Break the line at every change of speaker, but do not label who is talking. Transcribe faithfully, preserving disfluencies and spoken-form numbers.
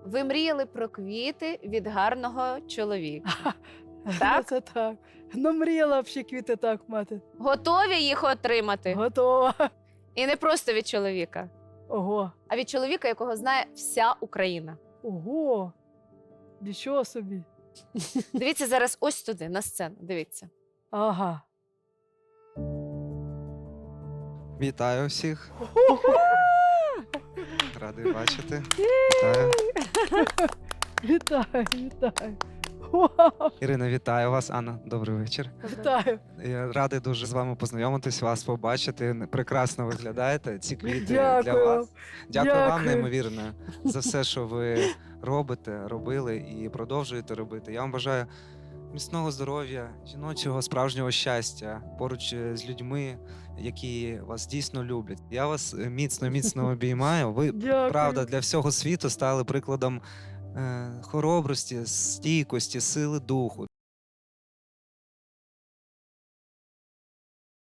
Ви мріяли про квіти від гарного чоловіка. Так?
Це так. Ну, мріяла б ще квіти так мати.
Готові їх отримати?
Готова.
І не просто від чоловіка,
Ого.
а від чоловіка, якого знає вся Україна.
Ого. Нічого собі.
Дивіться зараз ось туди, на сцену. Дивіться.
Ага.
Вітаю всіх. Радий бачити. Вітаю.
Вітаю, вітаю. Вау.
Ірина, вітаю вас. Анна, добрий вечір.
Вітаю.
Я радий дуже з вами познайомитись, вас побачити. Прекрасно виглядаєте. Ці квіти
Дякую
для
вам.
вас. Дякую, вам
Дякую.
неймовірно за все, що ви робите, робили і продовжуєте робити. Я вам бажаю міцного здоров'я, жіночого справжнього щастя поруч з людьми, які вас дійсно люблять. Я вас міцно, міцно обіймаю. Ви,
Дякую.
правда, для всього світу стали прикладом е, хоробрості, стійкості, сили духу.